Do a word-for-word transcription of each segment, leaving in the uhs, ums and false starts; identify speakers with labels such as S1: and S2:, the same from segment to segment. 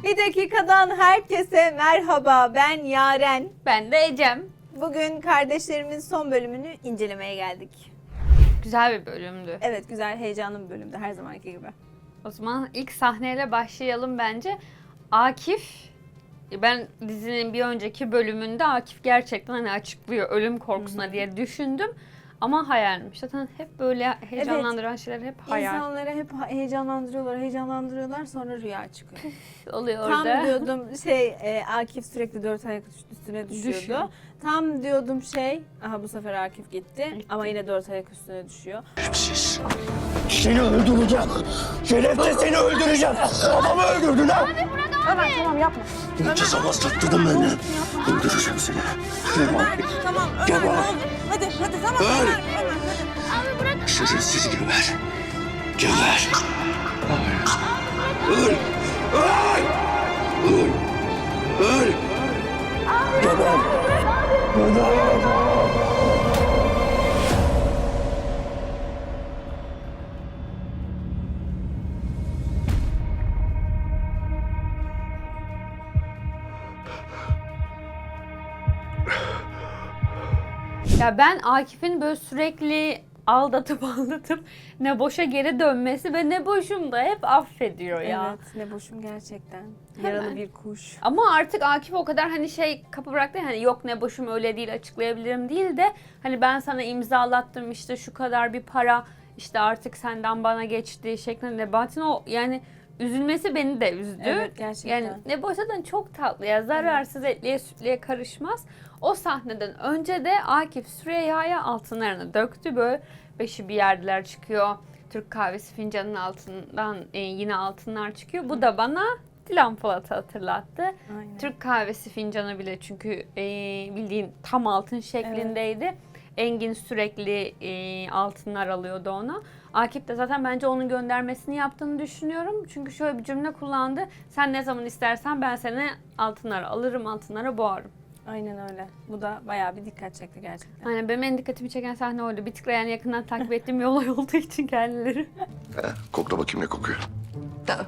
S1: Bir dakikadan herkese merhaba. Ben Yaren.
S2: Ben de Ecem.
S1: Bugün kardeşlerimin son bölümünü incelemeye geldik.
S2: Güzel bir bölümdü.
S1: Evet, güzel, heyecanlı bir bölümdü her zamanki gibi.
S2: O zaman ilk sahneyle başlayalım bence. Akif, ben dizinin bir önceki bölümünde Akif gerçekten hani açıklıyor ölüm korkusuna
S1: Hı-hı.
S2: diye düşündüm. Ama hayalmiş. Zaten hep böyle heyecanlandıran evet. şeyler hep hayal.
S1: İnsanları hep heyecanlandırıyorlar, heyecanlandırıyorlar sonra rüya çıkıyor.
S2: Oluyor
S1: Tam
S2: orada.
S1: diyordum şey, e, Akif sürekli dört ayak üstüne düşüyordu.
S2: Düşüyor.
S1: Tam diyordum şey, aha bu sefer Akif gitti, gitti. Ama yine dört ayak üstüne düşüyor.
S3: Şerefsiz. Seni öldüreceğim. Şerefsiz seni öldüreceğim. Babamı öldürdün ha.
S1: Abi bırak abi. Ömer tamam yapma.
S3: Ceza bastırttırdın beni. Öldüreceğim seni.
S1: Ömer tamam Ömer
S3: Geber.
S1: ne olur. Hadi hadi tamam
S3: Öl.
S1: Ömer Ömer hadi. Abi bırak.
S3: Şerefsiz geber. Geber. Öl. Öl. Öl. Öl. Geber. Geber.
S2: Ya ben Akif'in böyle sürekli aldatıp aldatıp ne boşa geri dönmesi ve ne boşum da hep affediyor ya.
S1: Evet, ne boşum gerçekten. Yaralı
S2: Hemen.
S1: bir kuş.
S2: Ama artık Akif o kadar hani şey kapı bıraktı hani yok ne boşum öyle değil açıklayabilirim değil de hani ben sana imzalattım işte şu kadar bir para işte artık senden bana geçti şeklinde. Batin o yani üzülmesi beni de üzdü.
S1: Evet, gerçekten.
S2: Yani ne boşadan çok tatlı ya zararsız etliye sütlüye karışmaz. O sahneden önce de Akif Süreyya'ya altınlarını döktü böyle beşi bir yerdeler çıkıyor. Türk kahvesi fincanının altından e, yine altınlar çıkıyor. Bu da bana Dilan Polat'ı hatırlattı.
S1: Aynen.
S2: Türk kahvesi fincanı bile çünkü e, bildiğin tam altın şeklindeydi. Evet. Engin sürekli e, altınlar alıyordu ona. Akif de zaten bence onun göndermesini yaptığını düşünüyorum. Çünkü şöyle bir cümle kullandı. Sen ne zaman istersen ben seni altınlara alırım, altınlara boğarım.
S1: Aynen öyle. Bu da bayağı bir dikkat çekti gerçekten.
S2: Aynen benim en dikkatimi çeken sahne oydu. Bir tık yani yakından takip ettiğim bir olay olduğu için kendileri.
S3: He, kokla bakayım ne kokuyor.
S4: Da.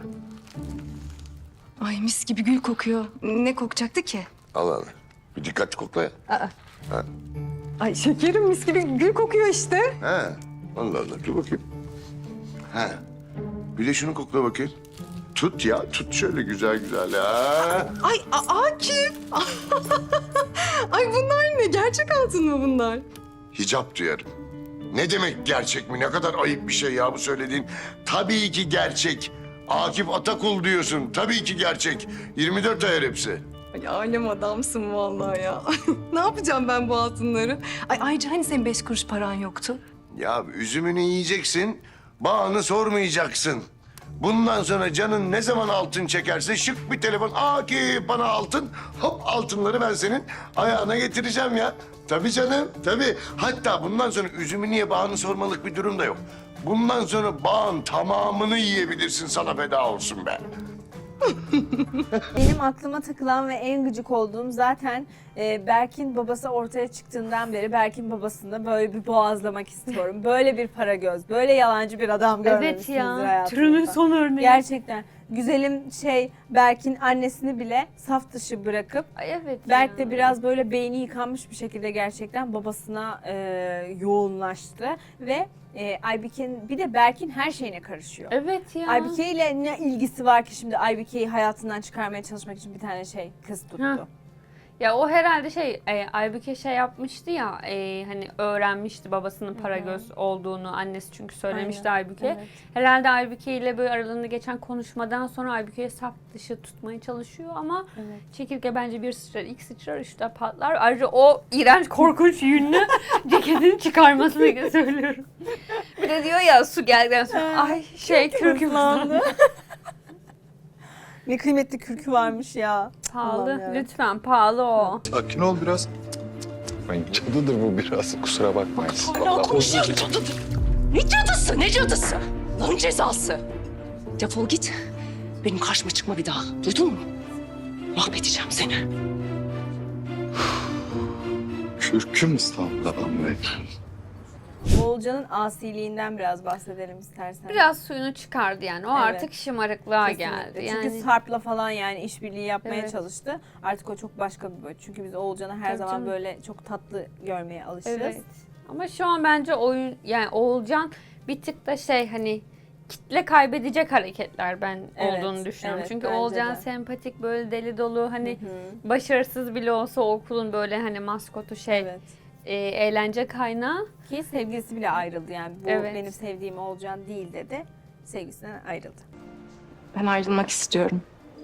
S4: Ay mis gibi gül kokuyor. Ne kokacaktı ki?
S3: Al al. Bir dikkatli kokla ya.
S4: Aa.
S3: Ha.
S4: Ay şekerim mis gibi gül kokuyor işte.
S3: He. Allah Allah. Dur bakayım. He. Bir de şunu kokla bakayım. Tut ya. Tut şöyle güzel güzel ya.
S4: Ay A- Akif. Ay bunlar ne? Gerçek altın mı bunlar?
S3: Hicap duyarım. Ne demek gerçek mi? Ne kadar ayıp bir şey ya bu söylediğin. Tabii ki gerçek. Akif Atakul diyorsun. Tabii ki gerçek. yirmi dört ayar hepsi.
S4: Ay alem adamsın vallahi ya. Ne yapacağım ben bu altınları? Ay ayrıca hani senin beş kuruş paran yoktu?
S3: Ya üzümünü yiyeceksin, bağını sormayacaksın. Bundan sonra canın ne zaman altın çekerse şık bir telefon. Akif bana altın. Hop altınları ben senin ayağına getireceğim ya. Tabii canım, tabii. Hatta bundan sonra üzümü niye bağını sormalık bir durum da yok. Bundan sonra bağın tamamını yiyebilirsin, sana feda olsun be.
S1: Benim aklıma takılan ve en gıcık olduğum zaten e, Berk'in babası ortaya çıktığından beri Berk'in babasını da böyle bir boğazlamak istiyorum. Böyle bir para göz, böyle yalancı bir adam
S2: Evet
S1: görmemişsinizdir
S2: ya.
S1: hayatınızda.
S2: Türünün son örneği.
S1: Gerçekten. Güzelim şey Berk'in annesini bile saf dışı bırakıp
S2: Ay evet
S1: Berk
S2: ya.
S1: de biraz böyle beyni yıkanmış bir şekilde gerçekten babasına e, yoğunlaştı ve e, Aybike'nin bir de Berk'in her şeyine karışıyor.
S2: Evet ya.
S1: Aybike ile ne ilgisi var ki şimdi Aybike'yi hayatından çıkarmaya çalışmak için bir tane şey kız tuttu.
S2: Ha. Ya o herhalde şey, e, Aybüke şey yapmıştı ya, e, hani öğrenmişti babasının para göz olduğunu, annesi çünkü söylemişti
S1: Aynen,
S2: Aybüke.
S1: evet.
S2: Herhalde Aybüke ile böyle aralarında geçen konuşmadan sonra Aybüke'yi saf dışı tutmaya çalışıyor ama
S1: Evet.
S2: çekirge bence bir sıçrar, iki sıçrar, üç de patlar. Ayrıca o iğrenç, korkunç yünlü ceketini çıkarmasını söylüyorum. Bir de diyor ya su geldikten sonra, ay şey kürküm
S1: Hızlandı. Ne kıymetli kürkü varmış ya.
S2: pahalı,
S1: Allah'ım ya.
S2: lütfen pahalı o.
S5: Sakin ol biraz. Ay cadıdır bu biraz. Kusura bakmayın.
S4: Hala konuşuyor cadıdır. Ne cadısı, ne cadısı? Onun cezası. Defol git. Benim karşıma çıkma bir daha. Duydun mu? Mahvedeceğim seni.
S5: Kürküm İstanbul'da be.
S1: Oğulcan'ın asiliğinden biraz bahsedelim istersen.
S2: Biraz suyunu çıkardı yani. O
S1: Evet.
S2: artık şımarıklığa
S1: Kesinlikle.
S2: geldi.
S1: Çünkü
S2: Yani
S1: Sarp'la falan yani işbirliği yapmaya
S2: Evet.
S1: çalıştı. Artık o çok başka bir boyut. Çünkü biz Oğulcan'ı her
S2: Tabii
S1: zaman
S2: canım.
S1: böyle çok tatlı görmeye alışırız.
S2: evet. Ama şu an bence oyun yani Oğulcan bir tık da şey hani kitle kaybedecek hareketler ben
S1: Evet,
S2: olduğunu düşünüyorum.
S1: evet,
S2: Çünkü
S1: bence
S2: Oğulcan
S1: de.
S2: sempatik böyle deli dolu hani
S1: Hı.
S2: başarısız bile olsa o okulun böyle hani maskotu şey
S1: Evet.
S2: e, eğlence kaynağı.
S1: Ki sevgilisi bile ayrıldı yani. Bu
S2: Evet.
S1: benim sevdiğim Oğulcan değil dedi. Sevgisinden ayrıldı.
S4: Ben ayrılmak istiyorum.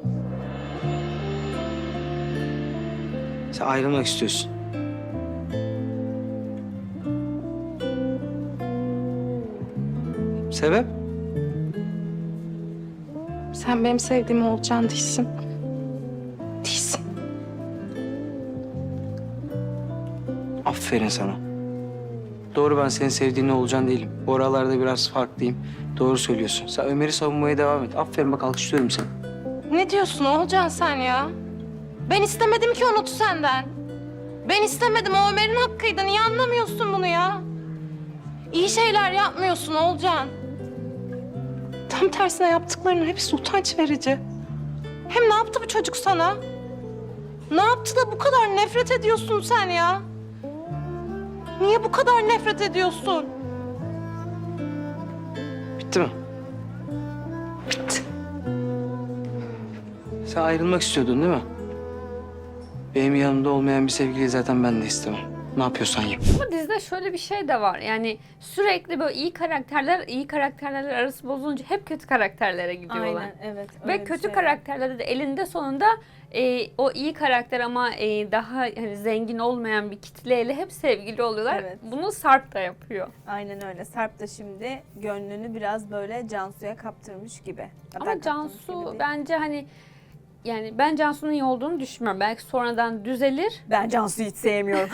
S6: Sen ayrılmak istiyorsun. Sebep?
S4: Sen benim sevdiğim Oğulcan değilsin. Değilsin.
S6: Aferin sana. Doğru, ben senin sevdiğin olacaksın değilim. Bu aralarda biraz farklıyım. Doğru söylüyorsun. Sen Ömer'i savunmaya devam et. Aferin, bak alkışlıyorum seni.
S4: Ne diyorsun Oğulcan sen ya? Ben istemedim ki Umut'u senden. Ben istemedim. O Ömer'in hakkıydı. Niye anlamıyorsun bunu ya? İyi şeyler yapmıyorsun Oğulcan. Tam tersine yaptıklarının hepsi utanç verici. Hem ne yaptı bu çocuk sana? Ne yaptı da bu kadar nefret ediyorsun sen ya? Niye bu kadar nefret ediyorsun?
S6: Bitti mi?
S4: Bitti.
S6: Sen ayrılmak istiyordun değil mi? Benim yanımda olmayan bir sevgiliyi zaten ben de istemem. Ne yapıyorsan yap.
S2: Ama dizide şöyle bir şey de var. Yani sürekli böyle iyi karakterler iyi karakterlerle arası bozulunca hep kötü karakterlere gidiyorlar.
S1: Aynen evet. öyle
S2: Ve
S1: bir
S2: kötü
S1: şey var.
S2: karakterlerde de elinde sonunda e, o iyi karakter ama e, daha hani zengin olmayan bir kitleyle hep sevgili oluyorlar.
S1: Evet.
S2: Bunu Sarp da yapıyor.
S1: Aynen öyle. Sarp da şimdi gönlünü biraz böyle Cansu'ya kaptırmış gibi. Hatta
S2: Ama
S1: kaptırmış gibi
S2: Cansu
S1: değil.
S2: bence hani yani ben Cansu'nun iyi olduğunu düşünmüyorum. Belki sonradan düzelir.
S1: Ben Cansu'yu hiç sevmiyorum.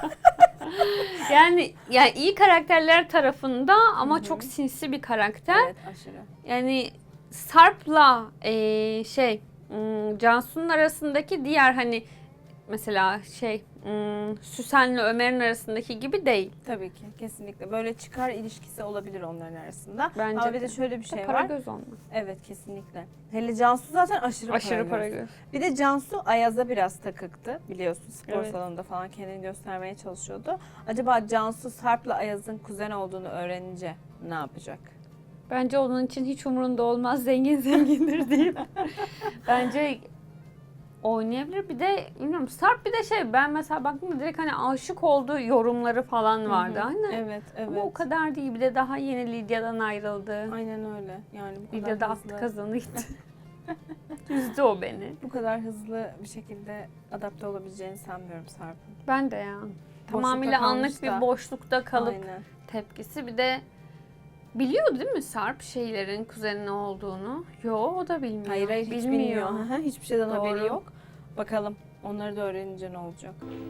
S2: Yani yani iyi karakterler tarafında ama çok sinsi bir karakter.
S1: Evet aşırı.
S2: Yani Sarp'la eee, şey hmm, Cansu'nun arasındaki diğer hani mesela şey hmm, Süsen'le Ömer'in arasındaki gibi değil.
S1: Tabii ki kesinlikle. Böyle çıkar ilişkisi olabilir onların arasında.
S2: Bence
S1: Ama bir
S2: de.
S1: de şöyle bir şey
S2: Para
S1: var.
S2: göz olma.
S1: Evet kesinlikle. Hele Cansu zaten aşırı,
S2: Aşırı para
S1: göz.
S2: göz.
S1: Bir de Cansu Ayaz'a biraz takıktı. Biliyorsun spor
S2: Evet.
S1: salonunda falan kendini göstermeye çalışıyordu. Acaba Cansu Sarp'la Ayaz'ın kuzen olduğunu öğrenince ne yapacak?
S2: Bence onun için hiç umurunda olmaz. Zengin zengindir deyip. Bence oynayabilir. Bir de bilmiyorum Sarp bir de şey ben mesela baktım direkt hani aşık olduğu yorumları falan vardı. Hani
S1: Evet, evet.
S2: ama o kadar değil. Bir de daha yeni Lidya'dan ayrıldı.
S1: Aynen öyle. Yani bu kadar
S2: Lidya da
S1: hızlı,
S2: attı kazanı gitti. Üzdü o beni.
S1: bu kadar hızlı bir şekilde adapte olabileceğini sanmıyorum Sarp'ın.
S2: Ben de ya.
S1: Boşlukta
S2: Tamamıyla
S1: kalmış
S2: anlık
S1: da.
S2: bir boşlukta kalıp
S1: Aynen.
S2: tepkisi. Bir de biliyor değil mi Sarp şeylerin kuzenin olduğunu? Yo o da bilmiyor.
S1: Hayır hayır hiç
S2: bilmiyor.
S1: bilmiyor. Hı hı, Hiçbir şeyden haberi
S2: Doğru.
S1: yok. Bakalım onları da öğrenince ne olacak?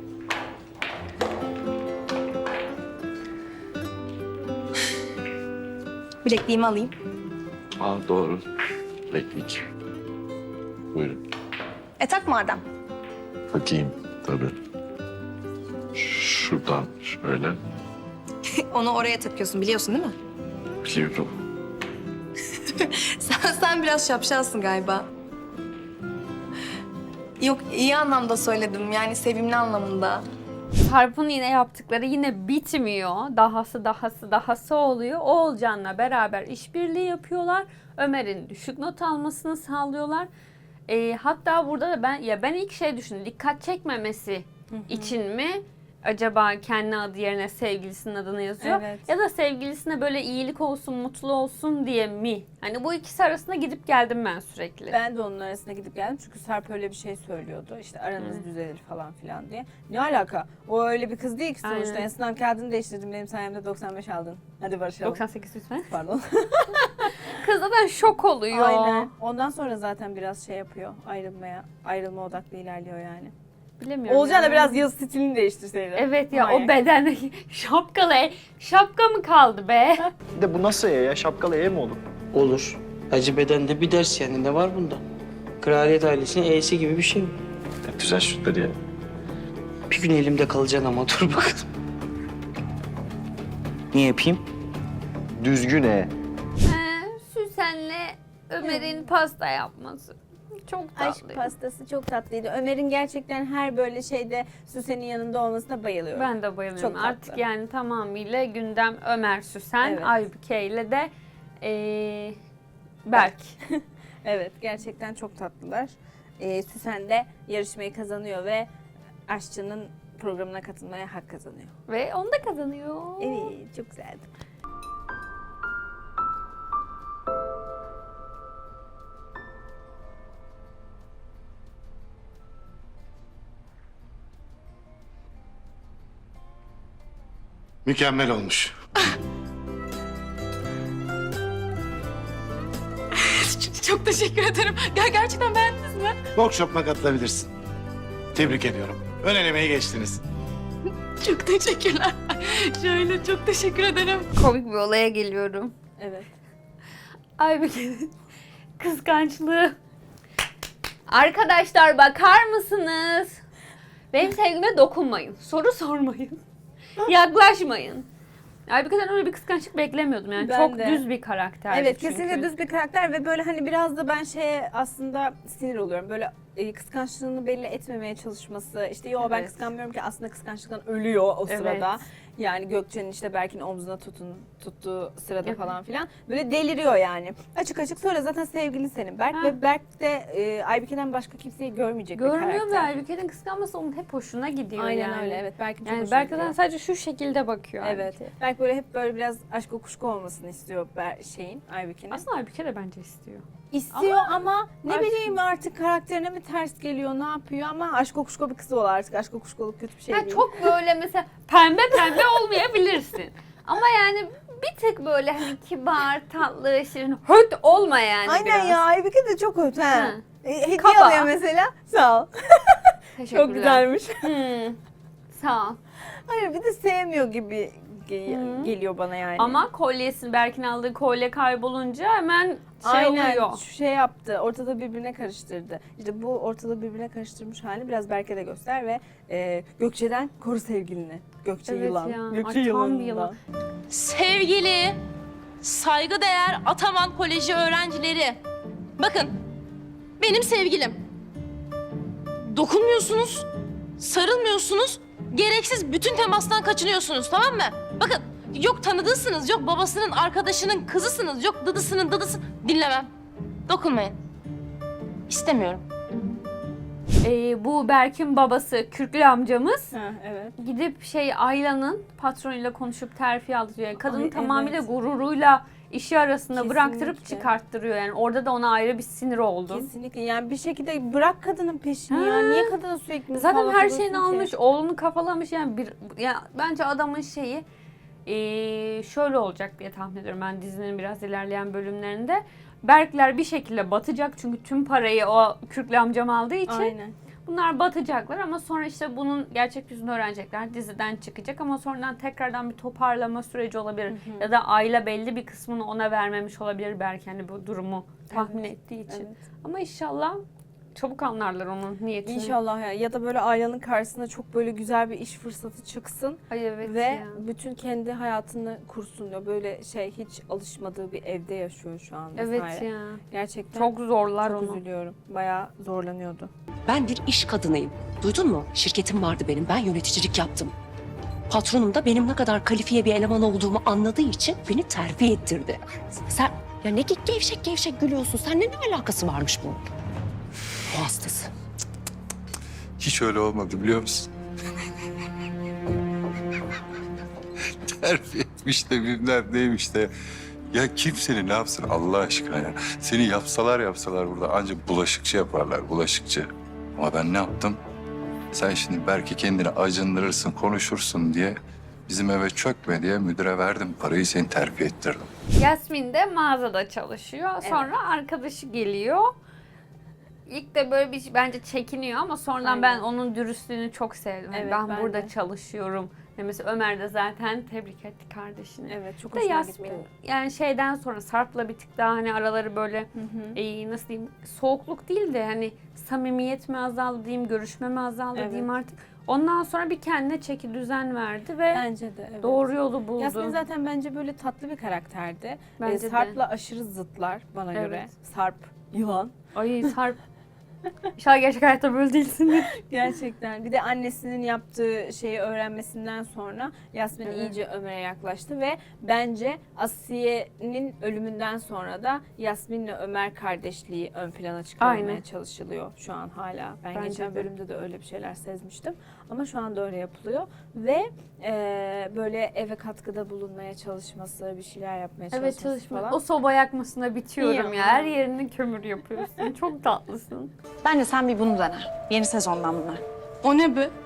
S7: Bilekliğimi alayım.
S5: Aa doğru. Beklik. Buyurun.
S7: E tak madem.
S5: Bakayım tabii. Şuradan şöyle.
S7: Onu oraya takıyorsun biliyorsun değil mi?
S5: Biliyorum.
S7: Sen, sen biraz şapşalsın galiba. Yok iyi anlamda söyledim yani sevimli anlamında.
S2: Sarp'ın yine yaptıkları yine bitmiyor. Dahası dahası dahası oluyor. Oğulcan'la beraber işbirliği yapıyorlar. Ömer'in düşük not almasını sağlıyorlar. Ee, hatta burada da ben ya ben ilk şey düşündüm. Dikkat çekmemesi için mi acaba kendi adı yerine sevgilisinin adını yazıyor?
S1: Evet.
S2: Ya da sevgilisine böyle iyilik olsun, mutlu olsun diye mi? Hani bu ikisi arasında gidip geldim ben sürekli.
S1: Ben de onun arasına gidip geldim çünkü Sarp öyle bir şey söylüyordu. İşte aranız düzelir falan filan diye. Ne alaka? O öyle bir kız değil ki sonuçta.
S2: Aynen.
S1: En sınav kağıdını değiştirdim. Benim sayemde doksan beş aldın. Hadi barışalım.
S2: doksan sekiz lütfen.
S1: Pardon.
S2: Kız zaten şok oluyor.
S1: Aynen. Ondan sonra zaten biraz şey yapıyor. Ayrılmaya, ayrılma odaklı ilerliyor yani.
S2: Bilemiyorum.
S1: Olcan da
S2: ya.
S1: biraz yıl stilini değiştirseydi.
S2: Evet ya
S1: Manyak.
S2: o bedendeki şapkalı e- şapka mı kaldı be?
S8: Bir de bu nasıl ya? ya? Şapkalı ev mi olur?
S6: Olur. Hacı bedende bir ders yani, ne var bunda? Kraliyet ailesinin E'si gibi bir şey mi?
S5: Ne güzel şutları ya.
S6: Bir gün elimde kalacaksın ama dur bakalım. Ne yapayım?
S8: Düzgün e.
S2: Ee, Süsen'le Ömer'in pasta yapması. Çok
S1: Aşk
S2: tatlıydı.
S1: pastası çok tatlıydı. Ömer'in gerçekten her böyle şeyde Süsen'in yanında olmasına bayılıyorum.
S2: Ben de bayılıyorum.
S1: Çok tatlı.
S2: Artık yani tamamıyla gündem Ömer Süsen,
S1: Evet.
S2: Aybüke ile de ee, Berk.
S1: Evet, gerçekten çok tatlılar. Ee, Süsen de yarışmayı kazanıyor ve aşçının programına katılmaya hak kazanıyor.
S2: Ve onu da kazanıyor.
S1: Evet, çok güzeldi.
S3: Mükemmel olmuş.
S4: Çok teşekkür ederim. Ger gerçekten beğendiniz mi?
S9: Workshop'uma katılabilirsin. Tebrik ediyorum. Ön elemeyi geçtiniz.
S4: Çok teşekkürler. Şöyle çok teşekkür ederim.
S2: Komik bir olaya geliyorum.
S1: Evet.
S2: Aybüke'nin kıskançlığı. Arkadaşlar bakar mısınız? Benim sevgime dokunmayın. Soru sormayın. Yaklaşmayın. Aybüke'den öyle bir kıskançlık beklemiyordum yani.
S1: Ben
S2: Çok
S1: de.
S2: düz bir karakterdi
S1: Evet,
S2: çünkü.
S1: kesinlikle düz bir karakter ve böyle hani biraz da ben şeye aslında sinir oluyorum. Böyle e, kıskançlığını belli etmemeye çalışması. İşte yo ben
S2: Evet.
S1: kıskanmıyorum ki aslında kıskançlıktan ölüyor o
S2: Evet.
S1: sırada. Yani Gökçe'nin işte Berk'in omzuna tutun, tuttuğu sırada
S2: Evet.
S1: falan filan. Böyle deliriyor yani. Açık açık sonra zaten sevgilin senin Berk
S2: Ha.
S1: ve Berk de e, Aybüke'den başka kimseyi görmeyecek bir
S2: Görmüyor ve
S1: karakter.
S2: Aybüke'nin kıskanması onun hep hoşuna gidiyor
S1: Aynen
S2: yani.
S1: öyle, evet. Berk'in çok
S2: Yani
S1: hoşuna
S2: Berk'ten
S1: gidiyor.
S2: sadece şu şekilde bakıyor
S1: Evet.
S2: Aybüke.
S1: Berk böyle hep böyle biraz aşk kuşku olmasını istiyor Ber şeyin, Aybüke'nin.
S2: Aslında Aybüke de bence istiyor.
S1: İstiyor ama, ne
S2: aşk-
S1: bileyim artık karakterine mi ters geliyor, ne yapıyor ama aşk kokuşko bir kızı ol artık. Aşk kokuşkoluk kötü bir şey
S2: Ha,
S1: değil.
S2: çok böyle mesela pembe pembe olmayabilirsin. Ama yani bir tık böyle hani kibar, tatlı, şirin, höt olma yani
S1: Aynen
S2: biraz.
S1: ya, Aybüke de çok hoş ha.
S2: Ha.
S1: E, hediye
S2: Kaba.
S1: alıyor mesela. Sağ ol.
S2: Teşekkürler.
S1: Çok güzelmiş.
S2: Hmm. Sağ ol.
S1: Hayır bir de sevmiyor gibi ge-
S2: Hı.
S1: geliyor bana yani.
S2: Ama kolyesini, Berk'in aldığı kolye kaybolunca hemen şey
S1: Aynen
S2: oluyor.
S1: şu şey yaptı, ortada birbirine karıştırdı. İşte bu ortalığı birbirine karıştırmış halini biraz Berk'e de göster ve e, Gökçe'den koru sevgilini. Gökçe
S2: Evet
S1: yılan.
S2: ya,
S1: Gökçe
S2: ay tam bir
S1: yılanından.
S2: yılan.
S4: Sevgili, saygıdeğer Ataman Koleji öğrencileri. Bakın, benim sevgilim. Dokunmuyorsunuz, sarılmıyorsunuz, gereksiz bütün temastan kaçınıyorsunuz, tamam mı? Bakın, yok tanıdığısınız, yok babasının arkadaşının kızısınız, yok dıdısının dıdısı. Dinlemem. Dokunmayın. İstemiyorum.
S2: Ee, bu Berk'in babası Kürklü amcamız
S1: Ha, evet.
S2: gidip şey Ayla'nın patronuyla konuşup terfi aldırıyor. Yani kadını
S1: Ay,
S2: tamamıyla
S1: evet.
S2: gururuyla işi arasında
S1: Kesinlikle.
S2: bıraktırıp çıkarttırıyor. Yani orada da ona ayrı bir sinir oldum.
S1: Kesinlikle yani bir şekilde bırak kadının peşini ya.
S2: Ha.
S1: Niye kadına sürekli
S2: Zaten
S1: musallat
S2: her
S1: oluyorsun
S2: şeyini
S1: ki?
S2: almış, oğlunu kafalamış yani bir ya bence adamın şeyi eee, şöyle olacak diye tahmin ediyorum ben dizinin biraz ilerleyen bölümlerinde. Berkler bir şekilde batacak çünkü tüm parayı o Kürklü amcam aldığı için.
S1: Aynen.
S2: Bunlar batacaklar ama sonra işte bunun gerçek yüzünü öğrenecekler. Diziden çıkacak ama sonradan tekrardan bir toparlama süreci olabilir. Ya da Ayla belli bir kısmını ona vermemiş olabilir belki hani bu durumu tahmin
S1: Evet,
S2: ettiği için.
S1: evet.
S2: Ama inşallah çabuk anlarlar onun niyetini.
S1: İnşallah ya. Ya da böyle ailenin karşısına çok böyle güzel bir iş fırsatı çıksın
S2: Ay evet
S1: ve
S2: ya.
S1: bütün kendi hayatını kursun diyor. Böyle şey hiç alışmadığı bir evde yaşıyor şu an
S2: Evet
S1: vesaire.
S2: ya.
S1: Gerçekten
S2: Çok zorlar
S1: çok
S2: onu.
S1: üzülüyorum. Bayağı zorlanıyordu.
S10: Ben bir iş kadınıyım. Duydun mu? Şirketim vardı benim. Ben yöneticilik yaptım. Patronum da benim ne kadar kalifiye bir eleman olduğumu anladığı için beni terfi ettirdi. Sen ya ne ge- gevşek gevşek gülüyorsun? Seninle ne alakası varmış bu? Bu hastası.
S5: Hiç öyle olmadı biliyor musun? Terfi etmiş de bilmem neymiş de. Ya kim seni ne yapsın Allah aşkına ya? Seni yapsalar yapsalar burada ancak bulaşıkçı yaparlar, bulaşıkçı. Ama ben ne yaptım? Sen şimdi belki kendini acındırırsın, konuşursun diye bizim eve çökme diye müdüre verdim parayı, seni terfi ettirdim.
S2: Yasmin de mağazada çalışıyor. Sonra arkadaşı geliyor. İlk de böyle bir bence çekiniyor ama sonradan
S1: Aynen.
S2: ben onun dürüstlüğünü çok sevdim. Yani
S1: Evet,
S2: ben,
S1: ben
S2: burada
S1: de.
S2: çalışıyorum. Yani mesela Ömer de zaten tebrik etti kardeşini.
S1: Evet çok
S2: Bir de
S1: hoşuma
S2: Yasmin
S1: gitti.
S2: yani şeyden sonra Sarp'la bir tık daha hani araları böyle
S1: Hı hı.
S2: e, nasıl diyeyim soğukluk değil de hani samimiyet mi azaldı diyeyim, görüşme mi azaldı
S1: Evet.
S2: diyeyim artık. Ondan sonra bir kendine çeki düzen verdi ve
S1: Bence de evet.
S2: doğru yolu buldu.
S1: Yasmin zaten bence böyle tatlı bir karakterdi.
S2: Bence
S1: Ee,
S2: de.
S1: Sarp'la aşırı zıtlar bana
S2: Evet.
S1: göre. Sarp, yılan.
S2: Ay Sarp. İnşallah gerçek hayatta böyle değilsindir.
S1: Gerçekten. Bir de annesinin yaptığı şeyi öğrenmesinden sonra Yasmin
S2: Evet.
S1: iyice Ömer'e yaklaştı ve bence Asiye'nin ölümünden sonra da Yasmin'le Ömer kardeşliği ön plana çıkarılmaya
S2: Aynen.
S1: çalışılıyor şu an hala. Ben
S2: Bence
S1: geçen
S2: de.
S1: bölümde de öyle bir şeyler sezmiştim. Ama şu anda öyle yapılıyor ve e, böyle eve katkıda bulunmaya çalışması, bir şeyler yapmaya çalışması
S2: Evet çalışma.
S1: falan.
S2: O soba yakmasına bitiyorum
S1: İyi
S2: ya.
S1: ama.
S2: Her yerini kömür yapıyorsun. Çok tatlısın.
S11: Bence sen bir bunu dene. Yeni sezondan bunlar.
S7: O ne be?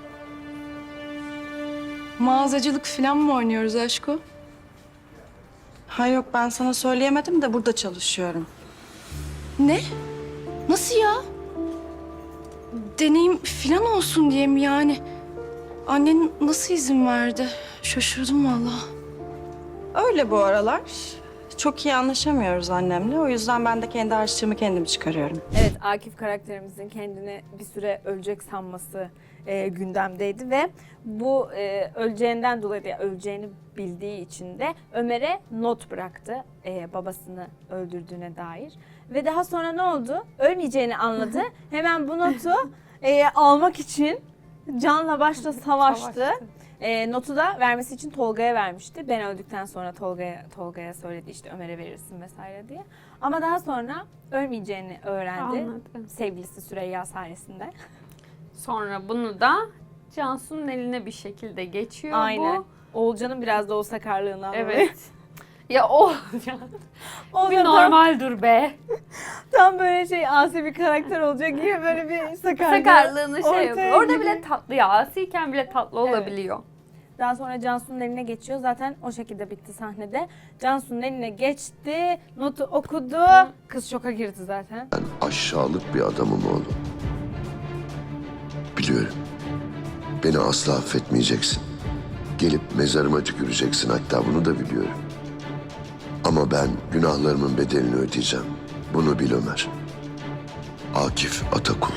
S7: Mağazacılık falan mı oynuyoruz aşko?
S11: Ha yok ben sana söyleyemedim de burada çalışıyorum.
S7: Ne? Nasıl ya? Deneyim falan olsun diye mi yani? Annen nasıl izin verdi? Şaşırdım vallahi.
S11: Öyle bu aralar. Çok iyi anlaşamıyoruz annemle. O yüzden ben de kendi harçlığımı kendim çıkarıyorum.
S1: Evet, Akif karakterimizin kendini bir süre ölecek sanması e, gündemdeydi ve bu e, öleceğinden dolayı da öleceğini bildiği için de Ömer'e not bıraktı e, babasını öldürdüğüne dair. Ve daha sonra ne oldu? Ölmeyeceğini anladı. Hemen bu notu e, almak için canla başla savaştı.
S2: Savaştı.
S1: E, notu da vermesi için Tolga'ya vermişti. Ben öldükten sonra Tolga'ya Tolga'ya söyledi işte Ömer'e verirsin vesaire diye. Ama daha sonra ölmeyeceğini öğrendi.
S2: Anladım.
S1: Sevgilisi Süreyya sayesinde.
S2: Sonra bunu da Cansu'nun eline bir şekilde geçiyor
S1: Aynen.
S2: bu.
S1: Oğulcan'ın biraz da o sakarlığından dolayı.
S2: Evet. Ya o
S1: O
S2: bir
S1: da tam,
S2: normal dur be.
S1: tam böyle şey asi bir karakter olacak gibi böyle bir sakarlığı.
S2: Sakarlığını şey
S1: ortaya
S2: yapıyor. Orada
S1: giriyor.
S2: bile tatlı ya. Asiyken bile tatlı
S1: Evet.
S2: olabiliyor.
S1: Daha sonra Cansu'nun eline geçiyor. Zaten o şekilde bitti sahnede. Cansu'nun eline geçti, notu okudu. Kız şoka girdi zaten.
S3: Ben aşağılık bir adamım oğlum. Biliyorum. Beni asla affetmeyeceksin. Gelip mezarıma tüküreceksin, hatta bunu da biliyorum. Ama ben günahlarımın bedelini ödeyeceğim. Bunu bil Ömer. Akif Atakul.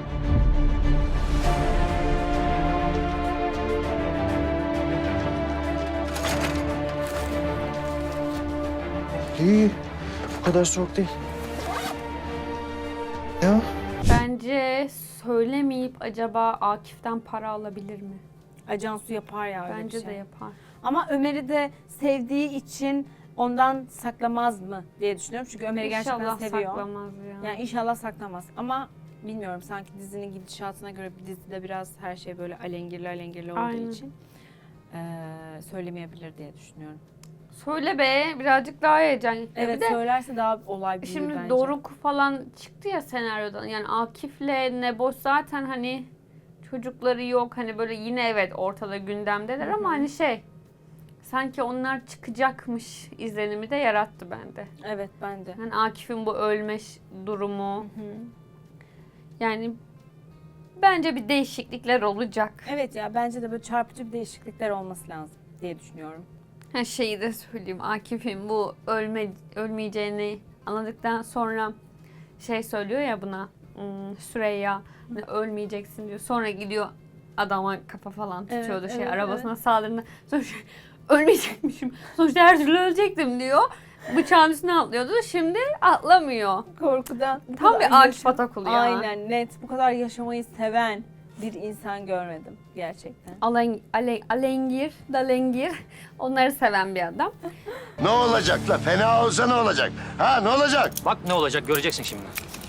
S8: İyi. Bu kadar soğuk değil. Ya.
S2: Bence söylemeyip acaba Akif'ten para alabilir mi?
S1: Ay Cansu yapar ya öyle
S2: Bence
S1: bir şey.
S2: de yapar.
S1: Ama Ömer'i de sevdiği için ondan saklamaz mı diye düşünüyorum. Çünkü Ömer'i gerçekten
S2: İnşallah
S1: seviyor.
S2: saklamaz ya.
S1: Yani inşallah saklamaz. Ama bilmiyorum, sanki dizinin gidişatına göre dizide biraz her şey böyle alengirli alengirli olduğu
S2: Aynen.
S1: için eee, söylemeyebilir diye düşünüyorum.
S2: Söyle be, birazcık daha heyecan yüklü.
S1: Evet,
S2: Bir de
S1: söylerse daha olay büyür
S2: şimdi
S1: bence.
S2: Doruk falan çıktı ya senaryodan. Yani Akif'le Neboş zaten hani çocukları yok. Hani böyle yine evet ortada gündemdeler
S1: Hı hı.
S2: ama hani şey sanki onlar çıkacakmış izlenimi de yarattı bende.
S1: Evet, bence.
S2: Yani Akif'in bu ölme ş- durumu.
S1: Hı.
S2: Yani bence bir değişiklikler olacak.
S1: Evet ya, bence de böyle çarpıcı bir değişiklikler olması lazım diye düşünüyorum.
S2: Her şeyi de söyleyeyim. Akif'in bu ölme ölmeyeceğini anladıktan sonra şey söylüyor ya buna hmm, Süreyya hani ölmeyeceksin diyor. Sonra gidiyor adama kafa falan
S1: Evet,
S2: tutuyordu şey
S1: evet,
S2: arabasına saldırdığında. Sonra şey, ölmeyecekmişim. Sonuçta her türlü ölecektim diyor. Bıçağın üstüne atlıyordu. Şimdi atlamıyor.
S1: Korkudan. bu
S2: Tam
S1: kadar
S2: bir Akif
S1: yaşam-
S2: Atakul ya.
S1: Aynen, net. Bu kadar yaşamayı seven bir insan görmedim gerçekten.
S2: Alen, ale, alengir, dalengir. Onları seven bir adam.
S3: Ne olacak la? Fena olsa ne olacak? Ha ne olacak?
S6: Bak ne olacak göreceksin şimdi.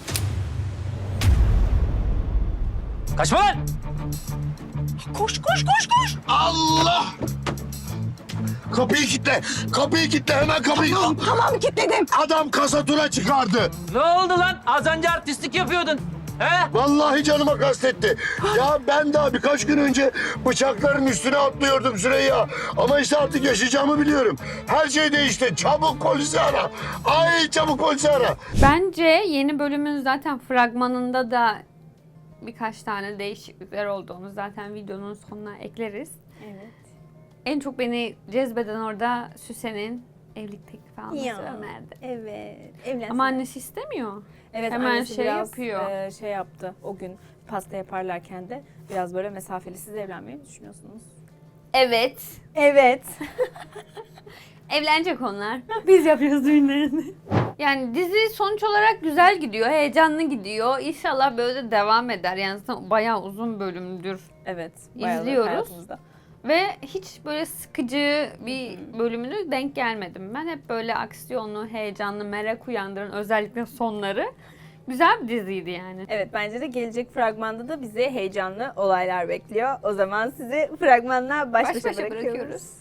S6: Kaçma lan!
S3: Koş koş koş koş. Allah! Kapıyı kilitle. Kapıyı kilitle, hemen kapıyı. Tamam,
S11: Tamam kilitledim.
S3: adam kasatura çıkardı.
S6: Ne oldu lan? Az önce artistlik yapıyordun. He?
S3: Vallahi canıma kastetti. Ya ben daha birkaç gün önce bıçakların üstüne atlıyordum Süreyya. Ama işte artık yaşayacağımı biliyorum. Her şey değişti. Çabuk polisi ara. Ay çabuk polisi ara.
S2: Bence yeni bölümün zaten fragmanında da birkaç tane değişiklikler olduğunu zaten videonun sonuna ekleriz.
S1: Evet.
S2: En çok beni cezbeden orada Süsen'in evlilik teklifi alması
S1: Ya.
S2: Ömer'de.
S1: Evet. Evlensin.
S2: Ama annesi istemiyor.
S1: evet,
S2: hemen
S1: annesi
S2: şey
S1: biraz,
S2: yapıyor.
S1: e, şey yaptı. O gün pasta yaparlarken de biraz böyle mesafeli. Siz evlenmeyi mi düşünüyorsunuz?
S2: Evet.
S1: Evet.
S2: Evlenecek onlar. Biz yapıyoruz düğünlerini. Yani dizi sonuç olarak güzel gidiyor, heyecanlı gidiyor. İnşallah böyle de devam eder. Yani zaten bayağı uzun bölümdür.
S1: Evet. bayağıdır
S2: İzliyoruz.
S1: hayatımızda.
S2: Ve hiç böyle sıkıcı bir bölümüne denk gelmedim. Ben hep böyle aksiyonlu, heyecanlı, merak uyandıran özellikle sonları. Güzel bir diziydi yani.
S1: Evet, bence de gelecek fragmanda da bizi heyecanlı olaylar bekliyor. O zaman sizi fragmanla baş
S2: Baş
S1: başa,
S2: başa
S1: bırakıyoruz.
S2: bırakıyoruz.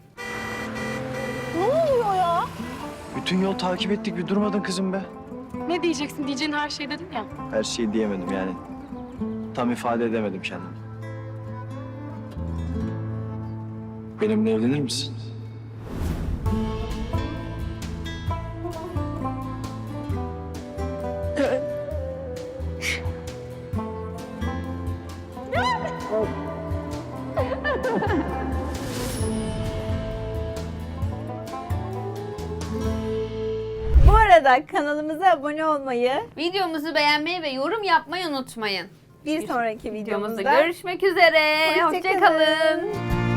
S8: Bütün yol takip ettik bir durmadın kızım be.
S4: Ne diyeceksin? Diyeceğin her şey dedin ya.
S8: Her şeyi diyemedim yani. Tam ifade edemedim kendimi. Benimle evlenir misin?
S1: Bu arada kanalımıza abone olmayı,
S2: Videomuzu beğenmeyi ve yorum yapmayı unutmayın.
S1: bir sonraki
S2: Videomuzda
S1: videomuzda
S2: görüşmek üzere.
S1: Hoşça
S2: Hoşçakalın.
S1: kalın.